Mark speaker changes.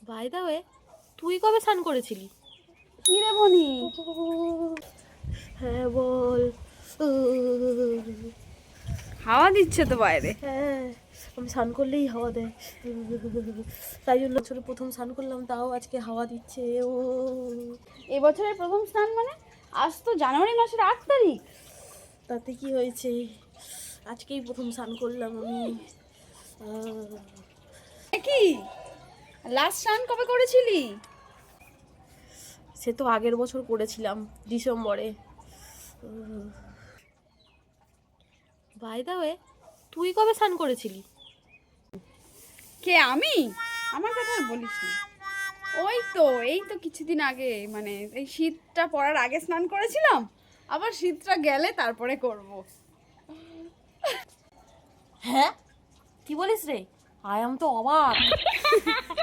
Speaker 1: By the way, তুই কবে স্নান করেছিলি?
Speaker 2: কি রে বনি?
Speaker 1: হ্যাঁ বল।
Speaker 2: হাওয়া দিচ্ছে তো বাইরে।
Speaker 1: হ্যাঁ, আমি স্নান করলেই হাওয়া দেয়, তাই জন্য বছরে প্রথম স্নান করলাম, তাও আজকে হাওয়া দিচ্ছে। ও
Speaker 2: এবছরের প্রথম স্নান মানে? আজ তো জানুয়ারি মাসের 8 তারিখ।
Speaker 1: তাতে কি হয়েছে, আজকেই প্রথম স্নান করলাম আমি।
Speaker 2: কি লাস্ট স্নান কবে করেছিলি?
Speaker 1: সে তো আগের বছর করেছিলাম ডিসেম্বরে। বাই দা ওয়ে, তুই কবে স্নান করেছিলি?
Speaker 2: কে, আমি? আমার কথা আর বলিস না। এই তো কিছুদিন আগে, মানে এই শীতটা পড়ার আগে স্নান করেছিলাম, আবার শীতটা গেলে তারপরে করব।
Speaker 1: হ্যাঁ, কি বলিস রে? আই এম তো অবাক।